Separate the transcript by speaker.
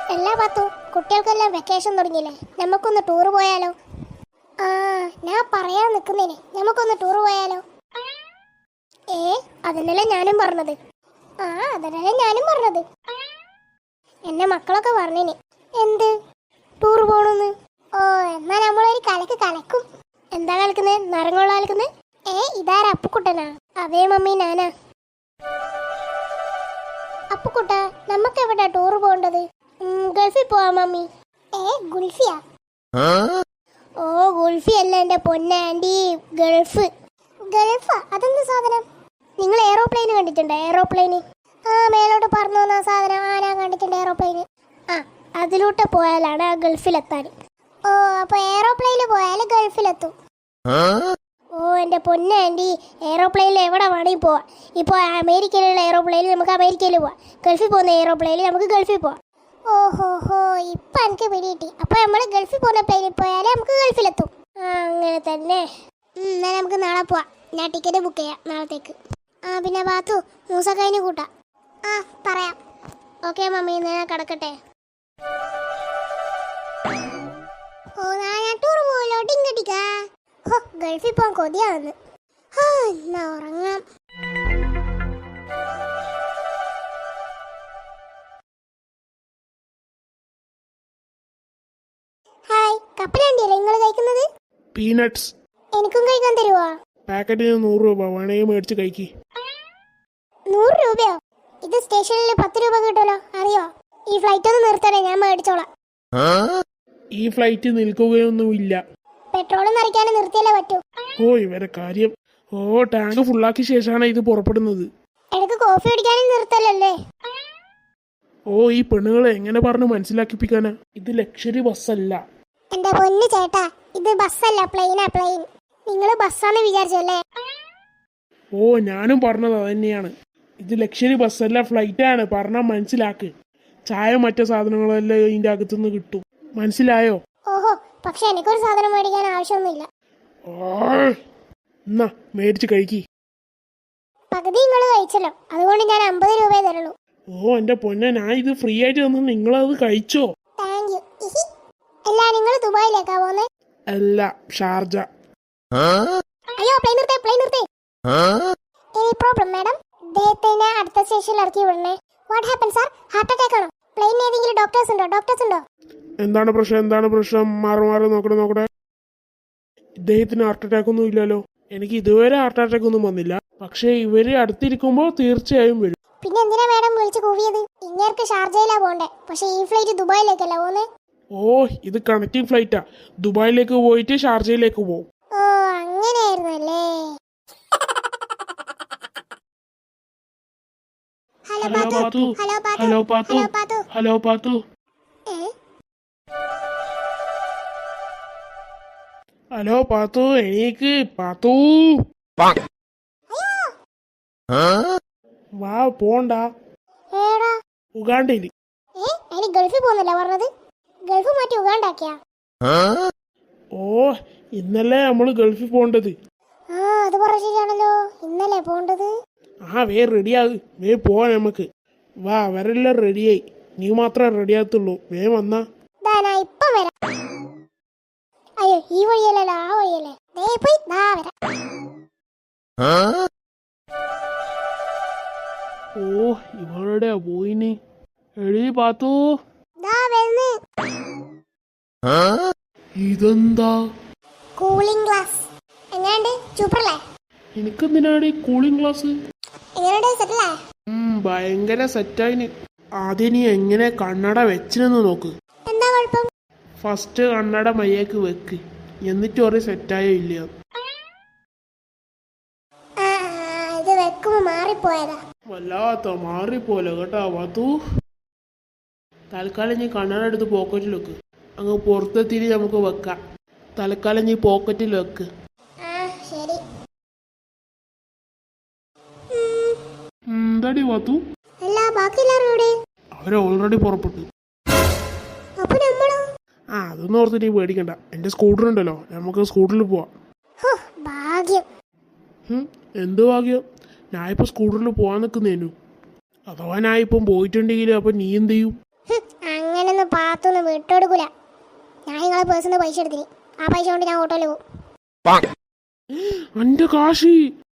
Speaker 1: എല്ലാ പത്തു കുട്ടികൾക്കെല്ലാം വെക്കേഷൻ തുടങ്ങിയില്ലേ, നമുക്കൊന്ന് ടൂർ പോയാലോ? ആ, ഞാൻ പറയാൻ നിൽക്കുന്നേനെ, നമുക്കൊന്ന് ടൂർ പോയാലോ? അതന്നല്ലേ ഞാനും പറഞ്ഞത്. അതന്നല്ലേ ഞാനും പറഞ്ഞത്. എന്നെ മക്കളൊക്കെ പറഞ്ഞേനെ എന്ത് ടൂർ പോണെന്ന്. എന്നാ നമ്മളൊരു കലക്ക് കലക്കും. എന്താ കലക്കുന്നേ? നരങ്ങുള്ള കലക്കുന്നേ? ഇതാരാ? അപ്പുക്കുട്ടനാ? അതേ മമ്മി, ഞാനാ. അപ്പുക്കുട്ട, നമുക്ക് എവിടെയാ ടൂർ പോകേണ്ടത്? ഗൾഫിൽ പോവാ മമ്മി. ഗുൽഫിയാ? ഗുൽഫി അല്ല എന്റെ പൊന്നാൻറ്റി, ഗൾഫ്. ഗൾഫാ? അതെന്ത് സാധനം? നിങ്ങൾ എയറോപ്ലെയിൻ കണ്ടിട്ടുണ്ടോ? എയറോപ്ലെയിന് മേലോട്ട് പറന്നു വന്ന സാധനം. ഞാൻ കണ്ടിട്ടുണ്ട് എയറോപ്ലെയിന്. അതിലൂട്ട് പോയാലാണ് ആ ഗൾഫിലെത്താൻ. അപ്പൊ എയറോപ്ലെയിനിൽ പോയാൽ ഗൾഫിലെത്തും. എന്റെ പൊന്നാൻറ്റി, എയറോപ്ലെയിനിൽ എവിടെ വേണമെങ്കിൽ പോവാം. ഇപ്പോൾ അമേരിക്കയിലുള്ള എയറോപ്ലെയിനിൽ നമുക്ക് അമേരിക്കയിൽ പോവാം. ഗൾഫിൽ പോകുന്ന എയറോപ്ലെയിനിൽ നമുക്ക് ഗൾഫിൽ പോവാം. ഇപ്പം എനിക്ക് പിടികിട്ടി. അപ്പോൾ നമ്മൾ ഗൾഫിൽ പോകുന്ന പ്ലെയിനിൽ പോയാൽ നമുക്ക് ഗൾഫിലെത്തും. അങ്ങനെ തന്നെ. എന്നാൽ നമുക്ക് നാളെ പോവാം. ഞാൻ ടിക്കറ്റ് ബുക്ക് ചെയ്യാം നാളത്തേക്ക്. പിന്നെ ബാത്തു മൂസക്കൈന് കൂട്ടാം. പറയാം. ഓക്കെ മമ്മി, ഞാൻ കിടക്കട്ടെ. ഞാൻ ടൂർ പോയല്ലോ. ടിങ്കടിക്ക ഗൾഫിൽ പോകാൻ കൊതിയാവുന്നു. എന്നാ ഉറങ്ങാം. ഹായ്, കപ്പലണ്ടിയല്ലേ നിങ്ങൾ കഴിക്കുന്നത്?
Speaker 2: പീനട്സ്.
Speaker 1: എനിക്കും കഴിക്കാൻ തരുവോ?
Speaker 2: പാക്കറ്റിന് 100 രൂപ, വേണമെങ്കിൽ മേടിച്ച് കഴിക്കി.
Speaker 1: 100 രൂപയോ? ഇത് സ്റ്റേഷനിൽ 10 രൂപ കിട്ടുമല്ലോ, അറിയോ? ഈ ഫ്ലൈറ്റ് ഒന്ന് നിർത്തണേ, ഞാൻ മേടിച്ചോളാം.
Speaker 2: ഈ ഫ്ലൈറ്റ് നിൽക്കുകയൊന്നുമില്ല.
Speaker 1: പെട്രോൾ നിറയ്ക്കാനും നിർത്തിയാലേ പറ്റൂ.
Speaker 2: ഇവരെ കാര്യം. ടാങ്ക് ഫുള്ളാക്കിയ ശേഷമാണ് ഇത് പുറപ്പെടുന്നത്.
Speaker 1: എനിക്ക് കോഫി കുടിക്കാനും നിർത്തലല്ലേ?
Speaker 2: ഈ പെണ്ണുങ്ങളെ എങ്ങനെ പറഞ്ഞു മനസ്സിലാക്കിപ്പിക്കാനാ? ഇത് ലക്ഷറി ബസ്സല്ല.
Speaker 1: എന്റെ പൊന്നു ചേട്ടാ, ഇത് ബസ്സല്ല, പ്ലെയിനാ, പ്ലെയിൻ. നിങ്ങൾ ബസ്സാന്ന് വിചാരിച്ചല്ലേ?
Speaker 2: ഞാനും പറഞ്ഞത് അതന്നെയാണ്. ഇത് ലക്ഷറി ബസ്സല്ല, ഫ്ലൈറ്റ് ആണ്. പറഞ്ഞാൽ മനസ്സിലാക്ക്. ചായ മറ്റു സാധനങ്ങളെല്ലാം ഇതിന്റെ അകത്തുനിന്ന് കിട്ടും. മനസ്സിലായോ?
Speaker 1: പക്ഷെ എനിക്കൊരു സാധനം മേടിക്കാൻ ആവശ്യമൊന്നുമില്ല.
Speaker 2: എന്നാ മേടിച്ച് കഴിക്കി.
Speaker 1: പകുതി നിങ്ങൾ കഴിച്ചല്ലോ, അതുകൊണ്ട് ഞാൻ 50 രൂപയെ തരുള്ളൂ.
Speaker 2: എന്റെ പൊന്നെ, ഞാൻ ഇത് ഫ്രീ ആയിട്ട് തന്നു, നിങ്ങളത് കഴിച്ചോ?
Speaker 1: Thank you. അല്ല, നിങ്ങൾ ദുബായിലേക്കാ പോന്നെ?
Speaker 2: അല്ല, ഷാർജ.
Speaker 1: അയ്യോ, പ്ലെയിൻ നിർത്തേ, പ്ലെയിൻ നിർത്തേ. Any problem madam? അദ്ദേഹത്തിനെ അടുത്ത സ്റ്റേഷനിൽ ഇറക്കി വിടണേ. What happen sir? Heart attack ആണോ? പ്ലെയിനിൽ ഏതെങ്കിലും ഡോക്ടേഴ്സ് ഉണ്ടോ?
Speaker 2: എന്താണ് പ്രശ്നം? മാറി നോക്കട്ടെ. ഇദ്ദേഹത്തിന് ഹാർട്ട് അറ്റാക്ക് ഒന്നും ഇല്ലല്ലോ. എനിക്ക് ഇതുവരെ ഹാർട്ട് അറ്റാക്ക് ഒന്നും വന്നില്ല. പക്ഷെ ഇവര് അടുത്തിരിക്കുമ്പോ തീർച്ചയായും വരും.
Speaker 1: പിന്നെ എന്തിനാ മാഡം വിളിച്ചു കൂവിയത്? ഇങ്ങേർക്ക് ഷാർജയിലാ പോണ്ടേ, പക്ഷെ ഈ ഫ്ലൈറ്റ് ദുബായിലേക്കല്ല പോന്നെ.
Speaker 2: ഇത് കണക്റ്റിംഗ് ഫ്ലൈറ്റാ. ദുബായിലേക്ക് പോയിട്ട് ഷാർജയിലേക്ക് പോകും.
Speaker 1: അങ്ങനെയായിരുന്നല്ലേ?
Speaker 2: ഹലോ പാത്തു. ഹലോ പാത്തു, എനിക്ക് പാത്തു. വാ, പോണ്ട. ഉഗാണ്ടയില്.
Speaker 1: ഗൾഫിൽ പോകുന്നല്ല പറഞ്ഞത്? ഗൾഫ് മാറ്റി ഉഗാണ്ടാക്കിയാ?
Speaker 2: ഇന്നലെ നമ്മള് ഗൾഫിൽ പോണ്ടത്.
Speaker 1: അത് പറഞ്ഞ ശരിയാണല്ലോ, ഇന്നലെ പോണ്ടത്.
Speaker 2: വേ പോവാ നമുക്ക്. വാ, അവരെല്ലാം റെഡിയായി. നീ മാത്രമേ റെഡിയാകത്തുള്ളൂ. വന്നാ.
Speaker 1: ഇപ്പം വരാം. അയ്യോ, ഈ വഴിയല്ലല്ലോ, ആ വഴിയല്ലേ. പോയി വരാം.
Speaker 2: ഇവളുടെ പോയിന്. എഴി പാത്തു. ഇതെന്താ?
Speaker 1: Cooling glass. എങ്ങനെയുണ്ട്? സൂപ്പറല്ലേ?
Speaker 2: എനിക്കെന്തിനാണ് ഈ കൂളിംഗ് ഗ്ലാസ്?
Speaker 1: എങ്ങനെയുണ്ട്? സെറ്റല്ലേ?
Speaker 2: ഭയങ്കര സെറ്റായിന്. ആദ്യം നീ എങ്ങനെ കണ്ണട വെച്ചിനെന്ന് നോക്ക്.
Speaker 1: എന്താ കുഴപ്പം?
Speaker 2: ഫസ്റ്റ് കണ്ണട മയ്യേക്ക് വെക്ക്, എന്നിട്ട് ഒരു സെറ്റായോ ഇല്ല.
Speaker 1: ഇത് വെക്കുമ്പോ മാറിപ്പോയതാ.
Speaker 2: വല്ലാത്ത മാറിപ്പോലെ കേട്ടാ പാത്തു. തൽക്കാലം നീ കണ്ണട എടുത്ത് പോക്കറ്റിൽ വെക്ക്. അങ്ങ് പുറത്തെത്തിരി നമുക്ക് വെക്കാം. തൽക്കാലം നീ പോക്കറ്റിൽ വെക്ക്.
Speaker 1: ശരി.
Speaker 2: എന്താടി പാത്തു? അവരെ ഓൾറെഡി പുറപ്പെട്ടു. അതൊന്നും ഓർത്ത് നീ പേടിക്കണ്ട. എന്റെ സ്കൂട്ടർ ഉണ്ടല്ലോ, നമുക്ക് സ്കൂട്ടറിൽ പോവാം. എന്ത് ഭാഗ്യം? ഞാനിപ്പോ സ്കൂട്ടറിൽ പോവാൻ നിൽക്കുന്നേനു. അഥവാ ഞാൻ ഇപ്പം പോയിട്ടുണ്ടെങ്കിൽ അപ്പൊ നീ എന്ത് ചെയ്യും?
Speaker 1: അങ്ങനൊന്നും ഭാഗത്തുനിന്ന് വിട്ടെടുക്കൂല. ഞാൻ നിങ്ങളെ പേഴ്സിൽ നിന്ന് പൈസ എടുത്തിന്. ആ പൈസ കൊണ്ട് ഞാൻ ഓട്ടോയിൽ പോകും.
Speaker 2: എന്റെ കാശി